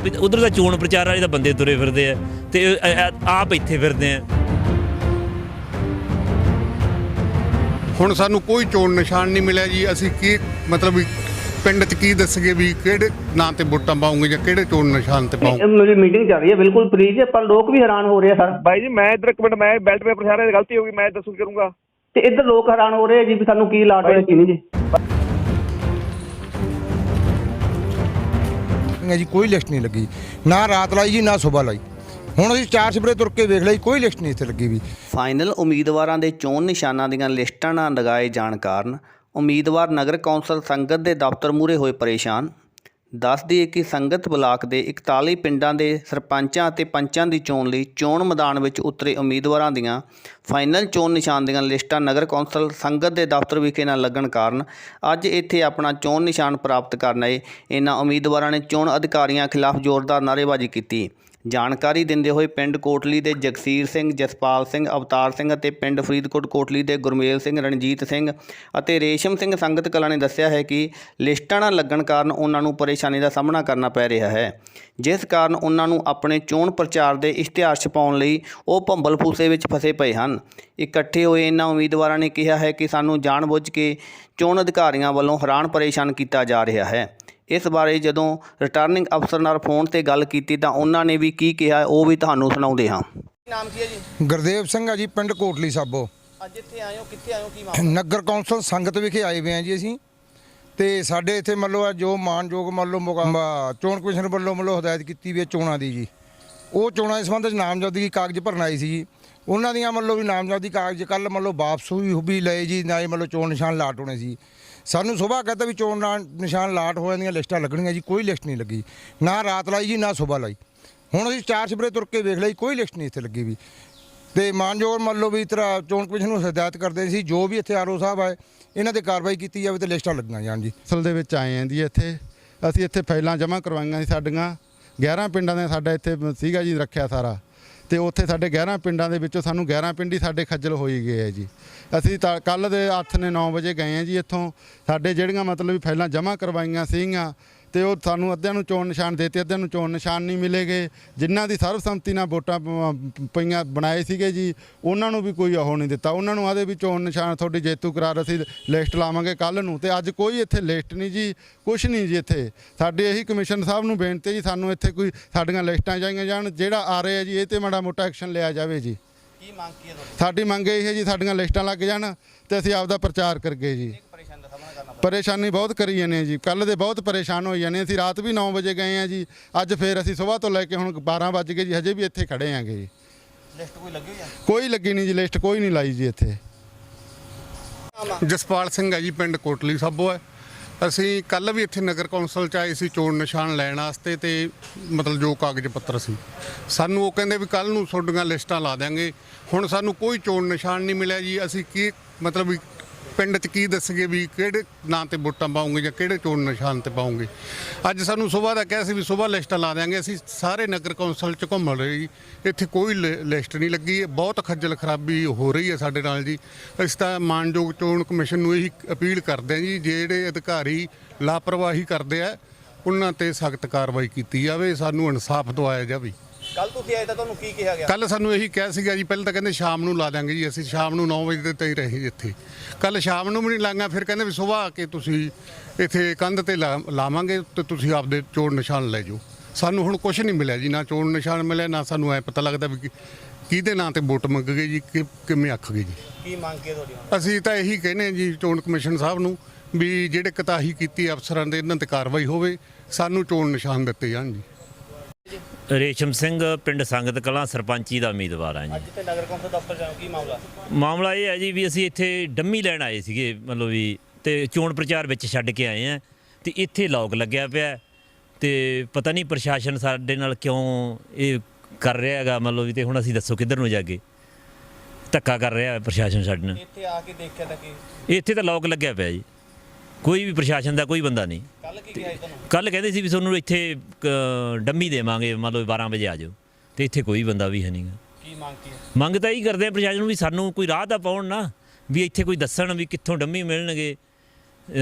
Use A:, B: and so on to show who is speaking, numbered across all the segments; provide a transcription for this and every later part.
A: उधर का चोण प्रचार वाले बंदे तुरे फिरते हैं ते आप इत्थे फिरते हैं।
B: ਹੁਣ ਸਾਨੂੰ ਕੋਈ ਚੋਣ ਨਿਸ਼ਾਨ ਨਹੀਂ ਮਿਲਿਆ ਜੀ। ਅਸੀਂ ਕੀ ਮਤਲਬ ਵੀ ਪਿੰਡ 'ਚ ਕੀ ਦੱਸਗੇ ਵੀ ਕਿਹੜੇ ਨਾਂ ਤੇ ਵੋਟਾਂ ਪਾਉਂਗੇ ਜਾਂ ਕਿਹੜੇ ਚੋਣ ਨਿਸ਼ਾਨ ਤੇ ਪਾਉਂਗੇ।
C: ਮੇਰੀ ਮੀਟਿੰਗ ਚੱਲ ਰਹੀ ਹੈ ਬਿਲਕੁਲ ਫ੍ਰੀ ਹੈ, ਪਰ ਲੋਕ ਵੀ ਹੈਰਾਨ ਹੋ ਰਹੇ ਆ ਸਰ।
D: ਬਾਈ ਜੀ ਮੈਂ ਇੱਧਰ ਇੱਕ ਮਿੰਟ, ਮੈਂ ਬੈਲਟ ਪੇਪਰ ਸਾਰਿਆਂ ਦੀ ਗਲਤੀ ਹੋ ਗਈ, ਮੈਂ ਦੱਸੂ ਕਰੂੰਗਾ।
C: ਤੇ ਇੱਧਰ ਲੋਕ ਹੈਰਾਨ ਹੋ ਰਹੇ ਆ ਜੀ ਵੀ ਸਾਨੂੰ ਕੀ ਲਾਟ ਹੋਇਆ ਕੀ ਨਹੀਂ ਜੀ।
E: जी कोई लिस्ट नहीं लगी, ना रात लाई जी ना सुबह लाई। ਹੁਣ ਅਸੀਂ 4 ਸਵੇਰੇ ਤੁਰ ਕੇ ਵੇਖ ਲਈ, ਕੋਈ ਲਿਸਟ ਨਹੀਂ ਇੱਥੇ ਲੱਗੀ ਵੀ।
F: ਫਾਈਨਲ ਉਮੀਦਵਾਰਾਂ ਦੇ ਚੋਣ ਨਿਸ਼ਾਨਾਂ ਦੀਆਂ ਲਿਸਟਾਂ ਨਾ ਲਗਾਏ ਜਾਣ ਕਾਰਨ ਉਮੀਦਵਾਰ ਨਗਰ ਕੌਂਸਲ ਸੰਗਤ ਦੇ ਦਫ਼ਤਰ ਮੂਹਰੇ ਹੋਏ ਪਰੇਸ਼ਾਨ। ਦੱਸ ਦਈਏ ਕਿ ਸੰਗਤ ਬਲਾਕ ਦੇ 41 ਪਿੰਡਾਂ ਦੇ ਸਰਪੰਚਾਂ ਅਤੇ ਪੰਚਾਂ ਦੀ ਚੋਣ ਲਈ ਚੋਣ ਮੈਦਾਨ ਵਿੱਚ ਉਤਰੇ ਉਮੀਦਵਾਰਾਂ ਦੀਆਂ ਫਾਈਨਲ ਚੋਣ ਨਿਸ਼ਾਨ ਦੀਆਂ ਲਿਸਟਾਂ ਨਗਰ ਕੌਂਸਲ ਸੰਗਤ ਦੇ ਦਫ਼ਤਰ ਵਿਖੇ ਨਾ ਲੱਗਣ ਕਾਰਨ ਅੱਜ ਇੱਥੇ ਆਪਣਾ ਚੋਣ ਨਿਸ਼ਾਨ ਪ੍ਰਾਪਤ ਕਰਨ ਆਏ ਇਹਨਾਂ ਉਮੀਦਵਾਰਾਂ ਨੇ ਚੋਣ ਅਧਿਕਾਰੀਆਂ ਖਿਲਾਫ ਜ਼ੋਰਦਾਰ ਨਾਅਰੇਬਾਜ਼ੀ ਕੀਤੀ। ਜਾਣਕਾਰੀ ਦਿੰਦੇ ਹੋਏ ਪਿੰਡ ਕੋਟਲੀ ਦੇ ਜਗਸੀਰ ਸਿੰਘ, ਜਸਪਾਲ ਸਿੰਘ, ਅਵਤਾਰ ਸਿੰਘ ਅਤੇ ਪਿੰਡ ਫਰੀਦਕੋਟ ਕੋਟਲੀ ਦੇ ਗੁਰਮੇਲ ਸਿੰਘ, ਰਣਜੀਤ ਸਿੰਘ ਅਤੇ ਰੇਸ਼ਮ ਸਿੰਘ ਸੰਗਤ ਕਲਾਂ ਨੇ ਦੱਸਿਆ ਹੈ ਕਿ ਲਿਸਟਾਂ ਨਾ ਲੱਗਣ ਕਾਰਨ ਉਹਨਾਂ ਨੂੰ ਪਰੇਸ਼ਾਨੀ ਦਾ ਸਾਹਮਣਾ ਕਰਨਾ ਪੈ ਰਿਹਾ ਹੈ, ਜਿਸ ਕਾਰਨ ਉਹਨਾਂ ਨੂੰ ਆਪਣੇ ਚੋਣ ਪ੍ਰਚਾਰ ਦੇ ਇਸ਼ਤਿਹਾਰ ਛਪਾਉਣ ਲਈ ਉਹ ਭੰਬਲ ਫੂਸੇ ਵਿੱਚ ਫਸੇ ਪਏ ਹਨ। ਇਕੱਠੇ ਹੋਏ ਇਹਨਾਂ ਉਮੀਦਵਾਰਾਂ ਨੇ ਕਿਹਾ ਹੈ ਕਿ ਸਾਨੂੰ ਜਾਣਬੁੱਝ ਕੇ ਚੋਣ ਅਧਿਕਾਰੀਆਂ ਵੱਲੋਂ ਹੈਰਾਨ ਪਰੇਸ਼ਾਨ ਕੀਤਾ ਜਾ ਰਿਹਾ ਹੈ। ਇਸ ਬਾਰੇ ਜਦੋਂ ਰਿਟਰਨਿੰਗ ਅਫਸਰ ਨਾਲ ਫੋਨ ਤੇ ਗੱਲ ਕੀਤੀ ਤਾਂ ਉਹਨਾਂ ਨੇ ਵੀ ਕੀ ਕਿਹਾ ਉਹ ਵੀ ਤੁਹਾਨੂੰ ਸੁਣਾਉਂਦੇ ਹਾਂ।
D: ਨਾਮ ਕੀ ਹੈ ਜੀ?
E: ਗੁਰਦੇਵ ਸਿੰਘ ਆ ਜੀ, ਪਿੰਡ ਕੋਟਲੀ ਸਾਬੋ।
D: ਅੱਜ ਇੱਥੇ ਆਏ ਹੋ, ਕਿੱਥੇ ਆਏ ਹੋ, ਕੀ ਮਾਮਲਾ?
E: ਨਗਰ ਕੌਂਸਲ ਸੰਗਤ ਵਿਖੇ ਆਏ ਹੋਏ ਆ ਜੀ ਅਸੀਂ। ਤੇ ਸਾਡੇ ਇੱਥੇ ਮੰਨ ਲਓ ਜੋ ਮਾਨਯੋਗ ਮੰਨ ਲਓ ਚੋਣ ਕਮਿਸ਼ਨ ਵੱਲੋਂ ਮੰਨ ਲਓ ਹਦਾਇਤ ਕੀਤੀ ਵੀ ਹੈ ਚੋਣਾਂ ਦੀ ਜੀ, ਉਹ ਚੋਣਾਂ ਦੇ ਸੰਬੰਧ ਵਿੱਚ ਨਾਮਜ਼ਦਗੀ ਕਾਗਜ਼ ਭਰਨ ਆਏ ਸੀ ਜੀ। ਉਹਨਾਂ ਦੀਆਂ ਮੰਨ ਲਓ ਵੀ ਨਾਮਜ਼ਦਗੀ ਕਾਗਜ਼ ਕੱਲ੍ਹ ਮੰਨ ਲਓ ਵਾਪਸ ਵੀ ਲਏ ਜੀ, ਨਾ ਹੀ ਮੰਨ ਲਓ ਚੋਣ ਨਿਸ਼ਾਨ ਲਾਟ ਹੋਣੇ ਸੀ। ਸਾਨੂੰ ਸੁਬਾਹ ਕਹਿੰਦਾ ਵੀ ਚੋਣ ਨਿਸ਼ਾਨ ਲਾਟ ਹੋਣ ਦੀਆਂ ਲਿਸਟਾਂ ਲੱਗਣੀਆਂ ਜੀ, ਕੋਈ ਲਿਸਟ ਨਹੀਂ ਲੱਗੀ, ਨਾ ਰਾਤ ਲਾਈ ਜੀ ਨਾ ਸੁਬਾਹ ਲਾਈ। ਹੁਣ ਅਸੀਂ 4 ਸਵੇਰੇ ਤੁਰ ਕੇ ਵੇਖ ਲਈ, ਕੋਈ ਲਿਸਟ ਨਹੀਂ ਇੱਥੇ ਲੱਗੀ ਵੀ। ਤੇ ਮਾਨਯੋਗ ਮੰਨ ਲਓ ਵੀ ਤਰ੍ਹਾਂ ਚੋਣ ਕਮਿਸ਼ਨ ਨੂੰ ਹਦਾਇਤ ਕਰਦੇ ਸੀ ਜੋ ਵੀ ਇੱਥੇ ਆਰਓ ਸਾਹਿਬ ਆਏ ਇਹਨਾਂ 'ਤੇ ਕਾਰਵਾਈ ਕੀਤੀ ਜਾਵੇ ਤੇ ਲਿਸਟਾਂ ਲੱਗੀਆਂ ਜਾਣ ਜੀ।
G: ਅਸਲ ਦੇ ਵਿੱਚ ਆਏ ਆਂ ਜੀ ਇੱਥੇ ਅਸੀਂ ਇੱਥੇ ਫਾਈਲਾਂ ਜਮ੍ਹਾਂ ਕਰਵਾਈਆਂ ਸੀ ਸਾਡੀਆਂ 11 ਪਿੰਡਾਂ ਦੇ ਸਾਡਾ ਇੱਥੇ ਸੀਗਾ ਜੀ ਰੱਖਿਆ ਸਾਰਾ, ਤੇ ਉੱਥੇ ਸਾਡੇ 11 ਪਿੰਡਾਂ ਦੇ ਵਿੱਚੋਂ ਸਾਨੂੰ 11 ਪਿੰਡ ਹੀ ਸਾਡੇ ਖੱਜਲ ਹੋਈ ਗਏ ਹੈ ਜੀ। ਅਸੀਂ ਤਾਂ ਕੱਲ੍ਹ ਦੇ 9 ਵਜੇ ਗਏ ਹਾਂ ਜੀ ਇੱਥੋਂ, ਸਾਡੇ ਜਿਹੜੀਆਂ ਮਤਲਬ ਵੀ ਫਾਈਲਾਂ ਜਮ੍ਹਾਂ ਕਰਵਾਈਆਂ ਸੀਗੀਆਂ ਤੇ ਉਹ ਸਾਨੂੰ ਅੱਧਿਆਂ ਨੂੰ ਚੋਣ ਨਿਸ਼ਾਨ ਦੇਤੇ, ਅੱਧਿਆਂ ਨੂੰ ਚੋਣ ਨਿਸ਼ਾਨ ਨਹੀਂ ਮਿਲੇਗੇ। ਜਿਨ੍ਹਾਂ ਦੀ ਸਰਬਸੰਮਤੀ ਨਾਲ ਵੋਟਾਂ ਪਈਆਂ ਬਣਾਏ ਸੀਗੇ ਜੀ ਉਹਨਾਂ ਨੂੰ ਵੀ ਕੋਈ ਉਹ ਨਹੀਂ ਦਿੱਤਾ, ਉਹਨਾਂ ਨੂੰ ਆਦੇ ਵੀ ਚੋਣ ਨਿਸ਼ਾਨ ਤੁਹਾਡੀ ਜੇਤੂ ਕਰਾਰ ਅਸੀਂ ਲਿਸਟ ਲਾਵਾਂਗੇ ਕੱਲ੍ਹ ਨੂੰ। ਤੇ ਅੱਜ ਕੋਈ ਇੱਥੇ ਲਿਸਟ ਨਹੀਂ ਜੀ, ਕੁਛ ਨਹੀਂ ਜੀ ਇੱਥੇ। ਸਾਡੀ ਇਹੀ ਕਮਿਸ਼ਨ ਸਾਹਿਬ ਨੂੰ ਬੇਨਤੀ ਜੀ ਸਾਨੂੰ ਇੱਥੇ ਕੋਈ ਸਾਡੀਆਂ ਲਿਸਟਾਂ ਚਾਹੀਆਂ ਜਾਣ, ਜਿਹੜਾ ਆ ਰਿਹਾ ਜੀ ਇਹ 'ਤੇ ਮਾੜਾ ਮੋਟਾ ਐਕਸ਼ਨ ਲਿਆ ਜਾਵੇ ਜੀ।
D: ਕੀ ਮੰਗ ਕੀ ਹੈ ਤੁਹਾਡੀ?
G: ਸਾਡੀ ਮੰਗ ਇਹ ਹੈ ਜੀ ਸਾਡੀਆਂ ਲਿਸਟਾਂ ਲੱਗ ਜਾਣ ਤੇ ਅਸੀਂ ਆਪਦਾ ਪ੍ਰਚਾਰ ਕਰਗੇ ਜੀ। ਪਰੇਸ਼ਾਨੀ ਬਹੁਤ ਕਰੀ ਜਾਂਦੇ ਹਾਂ ਜੀ, ਕੱਲ੍ਹ ਦੇ ਬਹੁਤ ਪਰੇਸ਼ਾਨ ਹੋਈ ਜਾਂਦੇ। ਅਸੀਂ ਰਾਤ ਵੀ 9 ਵਜੇ ਗਏ ਹਾਂ ਜੀ, ਅੱਜ ਫਿਰ ਅਸੀਂ ਸੁਬਾਹ ਤੋਂ ਲੈ ਕੇ ਹੁਣ 12 ਵੱਜ ਗਏ ਜੀ, ਹਜੇ ਵੀ ਇੱਥੇ ਖੜ੍ਹੇ ਆਂਗੇ ਜੀ।
D: ਲਿਸਟ ਕੋਈ ਲੱਗੀ ਹੋਈ ਹੈ?
G: ਕੋਈ ਲੱਗੀ ਨਹੀਂ ਜੀ, ਲਿਸਟ ਕੋਈ ਨਹੀਂ ਲਾਈ ਜੀ ਇੱਥੇ।
B: ਜਸਪਾਲ ਸਿੰਘ ਹੈ ਜੀ, ਪਿੰਡ ਕੋਟਲੀ ਸਾਬੋ ਹੈ। ਅਸੀਂ ਕੱਲ੍ਹ ਵੀ ਇੱਥੇ ਨਗਰ ਕੌਂਸਲ 'ਚ ਆਏ ਸੀ ਚੋਣ ਨਿਸ਼ਾਨ ਲੈਣ ਵਾਸਤੇ, ਤੇ ਮਤਲਬ ਜੋ ਕਾਗਜ਼ ਪੱਤਰ ਸੀ ਸਾਨੂੰ ਉਹ ਕਹਿੰਦੇ ਵੀ ਕੱਲ੍ਹ ਨੂੰ ਤੁਹਾਡੀਆਂ ਲਿਸਟਾਂ ਲਾ ਦਿਆਂਗੇ। ਹੁਣ ਸਾਨੂੰ ਕੋਈ ਚੋਣ ਨਿਸ਼ਾਨ ਨਹੀਂ ਮਿਲਿਆ ਜੀ। ਅਸੀਂ ਕੀ ਮਤਲਬ ਵੀ ਪਿੰਡ 'ਚ ਕੀ ਦੱਸਗੇ ਵੀ ਕਿਹੜੇ ਨਾਂ ਤੇ ਵੋਟਾਂ ਪਾਉਂਗੇ ਜਾਂ ਕਿਹੜੇ ਚੋਣ ਨਿਸ਼ਾਨ ਤੇ ਪਾਉਂਗੇ। ਅੱਜ ਸਾਨੂੰ ਸੁਬਾਹ ਦਾ ਕਿਹਾ ਸੀ ਵੀ ਸੁਬਾਹ ਲਿਸਟਾਂ ਲਾ ਦਿਆਂਗੇ। ਅਸੀਂ ਸਾਰੇ ਨਗਰ ਕੌਂਸਲ 'ਚ ਘੁੰਮ ਰਹੇ ਜੀ, ਇੱਥੇ ਕੋਈ ਲਿਸਟ ਨਹੀਂ ਲੱਗੀ। ਬਹੁਤ ਖੱਜਲ ਖਰਾਬੀ ਹੋ ਰਹੀ ਹੈ ਸਾਡੇ ਨਾਲ ਜੀ। ਅਸੀਂ ਤਾਂ ਮਾਨਯੋਗ ਚੋਣ ਕਮਿਸ਼ਨ ਨੂੰ ਇਹੀ ਅਪੀਲ ਕਰਦੇ ਹਾਂ ਜੀ, ਜਿਹੜੇ ਅਧਿਕਾਰੀ ਲਾਪਰਵਾਹੀ ਕਰਦੇ ਆ ਉਹਨਾਂ 'ਤੇ ਸਖਤ ਕਾਰਵਾਈ ਕੀਤੀ ਜਾਵੇ, ਸਾਨੂੰ ਇਨਸਾਫ ਦਿਵਾਇਆ ਜਾਵੇ।
D: ਕੱਲ ਤੁਸੀਂ ਆਏ ਤਾਂ ਤੁਹਾਨੂੰ ਕੀ ਕਿਹਾ ਗਿਆ?
B: ਕੱਲ ਸਾਨੂੰ ਇਹੀ ਕਿਹਾ ਸੀਗਾ ਜੀ, ਪਹਿਲਾਂ ਤਾਂ ਕਹਿੰਦੇ ਸ਼ਾਮ ਨੂੰ ਲਾ ਦਾਂਗੇ ਜੀ। ਅਸੀਂ ਸ਼ਾਮ ਨੂੰ 9 ਵਜੇ ਦੇ ਤੇ ਰਹੇ ਇੱਥੇ, ਕੱਲ ਸ਼ਾਮ ਨੂੰ ਵੀ ਨਹੀਂ ਲਾਂਗਾ। ਫਿਰ ਕਹਿੰਦੇ ਵੀ ਸੁਬਾਹ ਆ ਕੇ ਤੁਸੀਂ ਇੱਥੇ ਕੰਧ ਤੇ ਲਾਵਾਂਗੇ ਤੇ ਤੁਸੀਂ ਆਪਦੇ ਚੋਣ ਨਿਸ਼ਾਨ ਲੈ ਜਾਓ। ਸਾਨੂੰ ਹੁਣ ਕੁਝ ਨਹੀਂ ਮਿਲਿਆ ਜੀ, ਨਾ ਚੋਣ ਨਿਸ਼ਾਨ ਮਿਲਿਆ, ਨਾ ਸਾਨੂੰ ਐ ਪਤਾ ਲੱਗਦਾ ਵੀ ਕਿਹਦੇ ਨਾਂ ਤੇ ਵੋਟ ਮੰਗ ਗਏ ਜੀ, ਕਿਵੇਂ ਆਖ ਗਏ ਜੀ।
D: ਕੀ ਮੰਗ ਕੀ ਤੁਹਾਡੀ?
B: ਅਸੀਂ ਤਾਂ ਇਹੀ ਕਹਿੰਦੇ ਹਾਂ ਜੀ ਚੋਣ ਕਮਿਸ਼ਨ ਸਾਹਿਬ ਨੂੰ ਵੀ ਜਿਹੜੇ ਕੁਤਾਹੀ ਕੀਤੀ ਅਫਸਰਾਂ ਦੇ ਇਹਨਾਂ ਤੇ ਕਾਰਵਾਈ ਹੋਵੇ, ਸਾਨੂੰ ਚੋਣ ਨਿਸ਼ਾਨ ਦਿੱਤੇ ਜਾਣ ਜੀ।
A: ਰੇਸ਼ਮ ਸਿੰਘ, ਪਿੰਡ ਸੰਗਤ ਕਲਾਂ, ਸਰਪੰਚੀ ਦਾ ਉਮੀਦਵਾਰ ਹਾਂ ਜੀ।
D: ਅੱਜ ਤੇ ਨਗਰ ਕੌਂਸਲ ਦਫ਼ਤਰ ਜਾਓ, ਕੀ ਮਾਮਲਾ?
A: ਮਾਮਲਾ ਇਹ ਹੈ ਜੀ ਵੀ ਅਸੀਂ ਇੱਥੇ ਡੰਮੀ ਲੈਣ ਆਏ ਸੀਗੇ ਮਤਲਬ ਵੀ, ਤੇ ਚੋਣ ਪ੍ਰਚਾਰ ਵਿੱਚ ਛੱਡ ਕੇ ਆਏ ਹਾਂ ਤੇ ਇੱਥੇ ਲੋਕ ਲੱਗਿਆ ਪਿਆ ਤੇ ਪਤਾ ਨਹੀਂ ਪ੍ਰਸ਼ਾਸਨ ਸਾਡੇ ਨਾਲ ਕਿਉਂ ਇਹ ਕਰ ਰਿਹਾ ਹੈਗਾ ਮਤਲਬ ਵੀ। ਤੇ ਹੁਣ ਅਸੀਂ ਦੱਸੋ ਕਿੱਧਰ ਨੂੰ ਜਾ ਕੇ ਧੱਕਾ ਕਰ ਰਿਹਾ ਪ੍ਰਸ਼ਾਸਨ ਸਾਡੇ ਨਾਲ।
D: ਇੱਥੇ ਆ ਕੇ ਦੇਖਿਆ ਤਾਂ ਕੀ?
A: ਇੱਥੇ ਤਾਂ ਲੋਕ ਲੱਗਿਆ ਪਿਆ ਜੀ, ਕੋਈ ਵੀ ਪ੍ਰਸ਼ਾਸਨ ਦਾ ਕੋਈ ਬੰਦਾ ਨਹੀਂ।
D: ਕੱਲ ਕੀ ਕਿਹਾ ਤੁਹਾਨੂੰ?
A: ਕੱਲ੍ਹ ਕਹਿੰਦੇ ਸੀ ਵੀ ਤੁਹਾਨੂੰ ਇੱਥੇ ਡੰਮੀ ਦੇਵਾਂਗੇ ਮਤਲਬ 12 ਵਜੇ ਆ ਜਾਓ, ਤੇ ਇੱਥੇ ਕੋਈ ਬੰਦਾ ਵੀ ਹੈ ਨਹੀਂ ਗਾ।
D: ਕੀ ਮੰਗ ਕੀ ਹੈ?
A: ਮੰਗ ਤਾਂ ਇਹੀ ਕਰਦੇ ਆ ਪ੍ਰਸ਼ਾਸਨ ਨੂੰ ਵੀ ਸਾਨੂੰ ਕੋਈ ਰਾਹ ਤਾਂ ਪਾਉਣ ਨਾ, ਵੀ ਇੱਥੇ ਕੋਈ ਦੱਸਣ ਵੀ ਕਿੱਥੋਂ ਡੰਮੀ ਮਿਲਣਗੇ।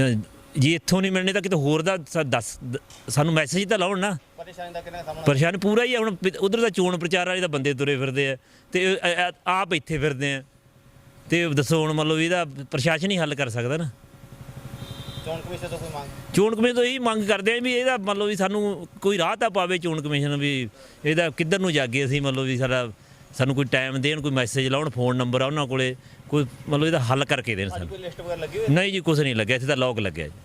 A: ਜੇ ਇੱਥੋਂ ਨਹੀਂ ਮਿਲਣੇ ਤਾਂ ਕਿਤੇ ਹੋਰ ਦਾ ਸਾਨੂੰ ਮੈਸੇਜ ਤਾਂ ਲਾਉਣ ਨਾ। ਪਰੇਸ਼ਾਨ ਪੂਰਾ ਹੀ ਆ। ਹੁਣ ਉਧਰ ਦਾ ਚੋਣ ਪ੍ਰਚਾਰ ਵਾਲੇ ਤਾਂ ਬੰਦੇ ਤੁਰੇ ਫਿਰਦੇ ਆ ਤੇ ਆਪ ਇੱਥੇ ਫਿਰਦੇ ਆ ਤੇ ਦੱਸੋ ਹੁਣ ਮਤਲਬ ਇਹਦਾ ਪ੍ਰਸ਼ਾਸਨ ਹੀ ਹੱਲ ਕਰ ਸਕਦਾ ਨਾ। ਚੋਣ ਕਮਿਸ਼ਨ ਤੋਂ ਇਹੀ ਮੰਗ ਕਰਦੇ ਆ ਵੀ ਇਹਦਾ ਮਤਲਬ ਵੀ ਸਾਨੂੰ ਕੋਈ ਰਾਹ ਤਾਂ ਪਾਵੇ ਚੋਣ ਕਮਿਸ਼ਨ, ਵੀ ਇਹਦਾ ਕਿੱਧਰ ਨੂੰ ਜਾਗੇ ਅਸੀਂ, ਮਤਲਬ ਵੀ ਸਾਨੂੰ ਕੋਈ ਟਾਈਮ ਦੇਣ, ਕੋਈ ਮੈਸੇਜ ਲਾਉਣ, ਫੋਨ ਨੰਬਰ ਆ ਉਹਨਾਂ ਕੋਲੇ, ਕੋਈ ਮਤਲਬ ਇਹਦਾ ਹੱਲ ਕਰਕੇ ਦੇਣ ਸਾਨੂੰ। ਨਹੀਂ ਜੀ ਕੁਛ ਨਹੀਂ ਲੱਗਿਆ, ਇੱਥੇ ਤਾਂ ਲੋਕ ਲੱਗਿਆ ਜੀ।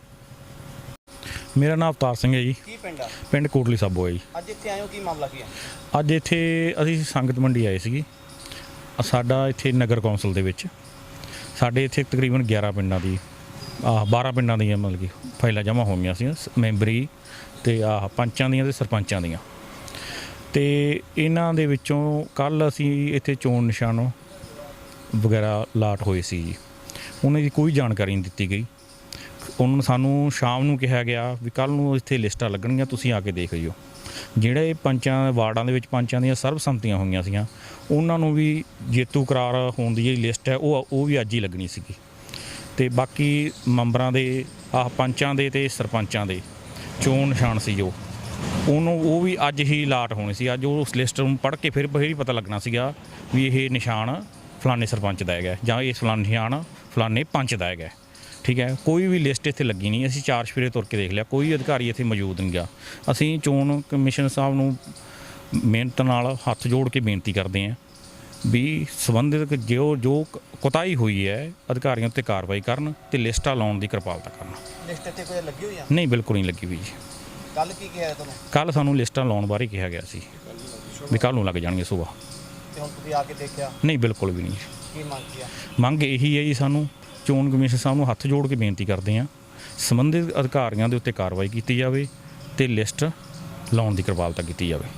H: ਮੇਰਾ ਨਾਮ ਅਵਤਾਰ ਸਿੰਘ ਹੈ ਜੀ।
C: ਕੀ ਪਿੰਡ ਆ?
H: ਪਿੰਡ ਕੋਟਲੀ ਸਾਬੋ ਹੈ ਜੀ।
C: ਅੱਜ ਇੱਥੇ ਆਏ ਹੋ, ਕੀ ਮਾਮਲਾ ਕੀ ਹੈ?
H: ਅੱਜ ਇੱਥੇ ਅਸੀਂ ਸੰਗਤ ਮੰਡੀ ਆਏ ਸੀਗੇ। ਸਾਡਾ ਇੱਥੇ ਨਗਰ ਕੌਂਸਲ ਦੇ ਵਿੱਚ ਸਾਡੇ ਇੱਥੇ ਤਕਰੀਬਨ 11 ਪਿੰਡਾਂ ਦੀ 12 ਪਿੰਡਾਂ ਦੀਆਂ ਮਤਲਬ ਕਿ ਫਾਈਲਾਂ ਜਮ੍ਹਾਂ ਹੋ ਗਈਆਂ ਸੀ, ਮੈਂਬਰੀ ਤੇ ਪੰਚਾਂ ਦੀਆਂ ਤੇ ਸਰਪੰਚਾਂ ਦੀਆਂ। ਤੇ ਇਹਨਾਂ ਦੇ ਵਿੱਚੋਂ ਕੱਲ੍ਹ ਅਸੀਂ ਇੱਥੇ ਚੋਣ ਨਿਸ਼ਾਨ ਵਗੈਰਾ ਲਾਟ ਹੋਏ ਸੀ ਜੀ। ਉਹਨਾਂ ਦੀ ਕੋਈ ਜਾਣਕਾਰੀ ਨਹੀਂ ਦਿੱਤੀ ਗਈ। ਉਹਨਾਂ ਨੂੰ ਸਾਨੂੰ ਸ਼ਾਮ ਨੂੰ ਕਿਹਾ ਗਿਆ ਵੀ ਕੱਲ੍ਹ ਨੂੰ ਇੱਥੇ ਲਿਸਟਾਂ ਲੱਗਣਗੀਆਂ, ਤੁਸੀਂ ਆ ਕੇ ਦੇਖ ਲਿਓ। ਜਿਹੜੇ ਪੰਚਾਂ ਵਾਰਡਾਂ ਦੇ ਵਿੱਚ ਪੰਚਾਂ ਦੀਆਂ ਸਰਬਸੰਮਤੀਆਂ ਹੋਈਆਂ ਸੀਗੀਆਂ, ਉਹਨਾਂ ਨੂੰ ਵੀ ਜੇਤੂ ਕਰਾਰ ਹੋਣ ਦੀ ਜਿਹੜੀ ਲਿਸਟ ਹੈ ਉਹ ਵੀ ਅੱਜ ਹੀ ਲੱਗਣੀ ਸੀਗੀ। ਤੇ ਬਾਕੀ ਮੈਂਬਰਾਂ ਦੇ ਪੰਚਾਂ ਦੇ ਤੇ ਸਰਪੰਚਾਂ ਦੇ ਚੋਣ ਨਿਸ਼ਾਨ ਸੀ ਜੋ ਉਹ ਵੀ ਅੱਜ ਹੀ ਲਾਟ ਹੋਣੇ ਸੀ। ਅੱਜ ਉਸ ਲਿਸਟ ਨੂੰ ਪੜ੍ਹ ਕੇ ਫਿਰ ਹੀ ਪਤਾ ਲੱਗਣਾ ਸੀਗਾ ਵੀ ਇਹ ਨਿਸ਼ਾਨ ਫਲਾਣੇ ਸਰਪੰਚ ਦਾ ਹੈਗਾ ਜਾਂ ਇਹ ਫਲਾਣਾ ਨਿਸ਼ਾਨ ਫਲਾਣੇ ਪੰਚ ਦਾ ਹੈਗਾ। ਠੀਕ ਹੈ, ਕੋਈ ਵੀ ਲਿਸਟ ਇੱਥੇ ਲੱਗੀ ਨਹੀਂ। ਅਸੀਂ 4 ਸਫੇਰੇ ਤੁਰ ਕੇ ਦੇਖ ਲਿਆ, ਕੋਈ ਅਧਿਕਾਰੀ ਇੱਥੇ ਮੌਜੂਦ ਨਹੀਂ ਗਾ। ਅਸੀਂ ਚੋਣ ਕਮਿਸ਼ਨ ਸਾਹਿਬ ਨੂੰ ਮਿਹਨਤ ਨਾਲ ਹੱਥ ਜੋੜ ਕੇ ਬੇਨਤੀ ਕਰਦੇ ਹਾਂ ਵੀ ਸੰਬੰਧਿਤ ਜੋ ਕੁਤਾਹੀ ਹੋਈ ਹੈ ਅਧਿਕਾਰੀਆਂ ਉੱਤੇ ਕਾਰਵਾਈ ਕਰਨ ਤੇ ਲਿਸਟਾਂ ਲਾਉਣ ਦੀ ਕਿਰਪਾਲਤਾ ਕਰਨ।
C: ਲਿਸਟ ਇੱਥੇ ਕੋਈ ਲੱਗੀ ਹੋਈ ਆ?
H: ਨਹੀਂ, ਬਿਲਕੁਲ ਨਹੀਂ ਲੱਗੀ ਵੀ ਜੀ।
C: ਕੱਲ ਕੀ ਕਿਹਾ ਤੁਹਾਨੂੰ?
H: ਕੱਲ ਸਾਨੂੰ ਲਿਸਟਾਂ ਲਾਉਣ ਬਾਰੇ ਕਿਹਾ ਗਿਆ ਸੀ ਵੀ ਕੱਲ੍ਹ ਨੂੰ ਲੱਗ ਜਾਣਗੇ ਸੁਬਾਹ।
C: ਤੇ ਹੁਣ ਤੁਸੀਂ ਆ ਕੇ ਦੇਖਿਆ?
H: ਨਹੀਂ, ਬਿਲਕੁਲ ਵੀ ਨਹੀਂ।
C: ਕੀ ਮੰਗ ਕੀ ਆ?
H: ਮੰਗ ਇਹੀ ਹੈ ਜੀ, ਸਾਨੂੰ ਚੋਣ ਕਮਿਸ਼ਨ ਸਾਹਿਬ ਨੂੰ ਹੱਥ ਜੋੜ ਕੇ ਬੇਨਤੀ ਕਰਦੇ ਹਾਂ ਸੰਬੰਧਿਤ ਅਧਿਕਾਰੀਆਂ ਦੇ ਉੱਤੇ ਕਾਰਵਾਈ ਕੀਤੀ ਜਾਵੇ ਤੇ ਲਿਸਟ ਲਾਉਣ ਦੀ ਕਿਰਪਾਲਤਾ ਕੀਤੀ ਜਾਵੇ।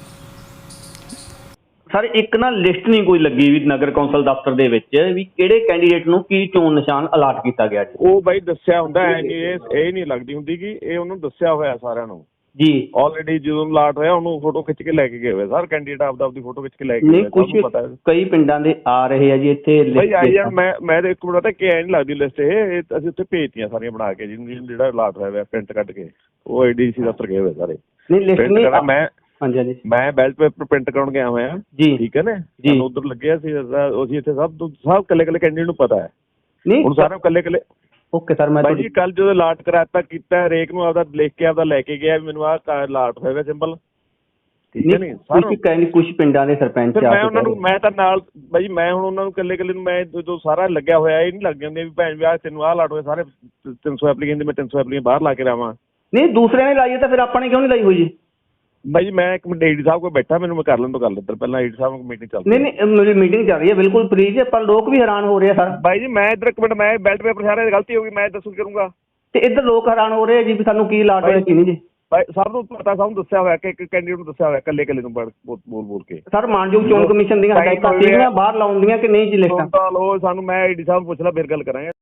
C: ਸਰ ਇੱਕ ਨਾ ਲਿਸਟ ਨਹੀਂ ਕੋਈ ਲੱਗੀ ਵੀ ਨਗਰ ਕੌਂਸਲ ਦਫ਼ਤਰ ਦੇ ਵਿੱਚ ਵੀ ਕਿਹੜੇ ਕੈਂਡੀਡੇਟ ਨੂੰ ਕੀ ਚੋਣ ਨਿਸ਼ਾਨ ਅਲਾਟ ਕੀਤਾ ਗਿਆ ਜੀ?
D: ਉਹ ਬਾਈ ਦੱਸਿਆ ਹੁੰਦਾ ਹੈ ਕਿ ਇਹ ਨਹੀਂ ਲੱਗਦੀ ਹੁੰਦੀ ਕਿ ਇਹ ਉਹਨੂੰ ਦੱਸਿਆ ਹੋਇਆ ਸਾਰਿਆਂ ਨੂੰ
C: ਜੀ।
D: ਆਲਰੇਡੀ ਜਦੋਂ ਅਲਾਟ ਹੋਇਆ ਉਹਨੂੰ ਫੋਟੋ ਖਿੱਚ ਕੇ ਲੈ ਕੇ ਗਏ ਹੋਏ ਸਰ ਕੈਂਡੀਡੇਟ ਆਪਦੀ ਫੋਟੋ ਖਿੱਚ ਕੇ ਲੈ ਕੇ
C: ਨਹੀਂ,
D: ਗਏ।
C: ਕੁਝ ਕਈ ਪਿੰਡਾਂ ਦੇ ਆ ਰਹੇ ਆ ਜੀ ਇੱਥੇ
D: ਬਾਈ ਆਈ ਜਾਣ। ਮੈਂ ਤਾਂ ਇੱਕ ਮਿੰਟ ਪਤਾ ਕਿ ਐ ਨਹੀਂ ਲੱਗਦੀ ਲਿਸਟ ਇਹ ਅਸੀਂ ਉੱਥੇ ਭੇਜਤੀਆਂ ਸਾਰੀਆਂ ਬਣਾ ਕੇ ਜਿਹੜਾ ਅਲਾਟ ਹੋਇਆ ਪ੍ਰਿੰਟ ਕੱਢ ਕੇ ਉਹ ADC ਦਫ਼ਤਰ ਗਏ ਹੋਏ ਸਾਰੇ।
C: ਨਹੀਂ ਲਿਸਟ ਨਹੀਂ। ਹਾਂਜੀ ਹਾਂਜੀ,
D: ਮੈਂ ਬੈਲਟ ਪੇਪਰ ਪ੍ਰਿੰਟ ਕਰਾਉਣ ਗਿਆ ਹੋਇਆ
C: ਜੀ।
D: ਠੀਕ ਹੈ ਨਾ, ਸਾਨੂੰ ਉਧਰ ਲੱਗਿਆ ਸੀ ਅਸੀਂ ਇੱਥੇ ਸਭ ਕੱਲੇ ਕੈਂਡੀਡੇਟ ਨੂੰ ਪਤਾ ਹੈ।
C: ਨਹੀਂ
D: ਹੁਣ ਸਾਰਿਆਂ ਕੱਲੇ
C: ਓਕੇ ਸਰ। ਮੈਂ
D: ਬਾਈ ਜੀ ਕੱਲ ਜਦੋਂ ਅਲਾਟ ਕਰਾਤਾ ਕੀਤਾ ਹਰੇਕ ਨੂੰ ਆਪਦਾ ਲਿਖ ਕੇ ਆਪਦਾ ਲੈ ਕੇ ਗਿਆ ਵੀ ਮੈਨੂੰ ਆਹ ਅਲਾਟ ਹੋਇਆ ਸਿੰਬਲ। ਠੀਕ ਹੈ ਨੀ
C: ਕੁਝ ਪਿੰਡਾਂ ਦੇ ਸਰਪੰਚ
D: ਮੈਂ ਉਹਨਾਂ ਨੂੰ ਮੈਂ ਤਾਂ ਨਾਲ ਬਾਈ ਮੈਂ ਹੁਣ ਉਹਨਾਂ ਨੂੰ ਕੱਲੇ ਨੂੰ ਮੈਂ ਜਦੋਂ ਸਾਰਾ ਲੱਗਿਆ ਹੋਇਆ ਇਹ ਨਹੀਂ ਲੱਗ ਜਾਂਦੇ ਵੀ ਭੈਣ ਵਿਆਹ ਤੈਨੂੰ ਆਹ ਅਲਾਟ ਹੋਇਆ ਸਾਰੇ 300 ਐਪਲੀਕੈਂਟ ਮੈਂ 300 ਐਪਲੀਕੈਂਟ ਬਾਹਰ ਲਾ ਕੇ ਰਾਵਾਂ।
C: ਨਹੀਂ ਦੂਸਰਿਆਂ ਨੇ ਲਾਈ ਹੈ ਤਾਂ ਫਿਰ ਆਪਾਂ ਨੇ ਕਿਉਂ ਨਹੀਂ ਲਾਈ ਹੋਈ ਜੀ?
D: ਬਾਈ ਜੀ ਮੈਂ ਇੱਕ ਮਿੰਟ AD ਸਾਹਿਬ ਕੋਲ ਬੈਠਾ, ਮੈਨੂੰ ਮੈਂ ਕਰ ਲੈਣ ਤੋਂ ਗੱਲ ਇੱਧਰ ਪਹਿਲਾਂ AD ਸਾਹਿਬ ਕੋਲ ਮੀਟਿੰਗ ਚੱਲ
C: ਨਹੀਂ ਮੇਰੀ ਮੀਟਿੰਗ ਚੱਲ ਰਹੀ ਹੈ ਬਿਲਕੁਲ ਫ੍ਰੀ ਹੈ, ਪਰ ਲੋਕ ਵੀ ਹੈਰਾਨ ਹੋ ਰਹੇ ਆ ਸਰ।
D: ਬਾਈ ਜੀ ਮੈਂ ਇੱਧਰ ਇੱਕ ਮਿੰਟ ਮੈਂ ਬੈਲਟ ਪੇਪਰ ਸਾਰਿਆਂ ਦੀ ਗਲਤੀ ਹੋ ਗਈ ਮੈਂ ਦੱਸੂ ਕਰੂੰਗਾ
C: ਤੇ ਇੱਧਰ ਲੋਕ ਹੈਰਾਨ ਹੋ ਰਹੇ ਆ ਜੀ ਵੀ ਸਾਨੂੰ ਕੀ ਅਲਾਟ ਹੋਇਆ ਕੀ ਨਹੀਂ ਜੀ।
D: ਬਾਈ ਸਭ ਨੂੰ ਪਤਾ, ਸਭ ਨੂੰ ਦੱਸਿਆ ਹੋਇਆ ਕਿ ਇੱਕ ਕੈਂਡੀਡੇਟ ਨੂੰ ਦੱਸਿਆ ਹੋਇਆ ਕੱਲੇ ਨੂੰ ਬੋਲ ਕੇ।
C: ਸਰ ਮਾਨਯੋਗ ਚੋਣ ਕਮਿਸ਼ਨ ਦੀਆਂ ਹਦਾਇਤਾਂ ਸੀਗੀਆਂ ਬਾਹਰ ਲਾਉਣ ਦੀਆਂ ਕਿ ਨਹੀਂ ਜੀ ਲਿਸਟਾਂ?
D: ਸਾਨੂੰ ਮੈਂ AD ਸਾਹਿਬ ਨੂੰ ਪੁੱਛ ਲਾ ਫਿਰ ਗੱਲ ਕਰਾਂਗੇ।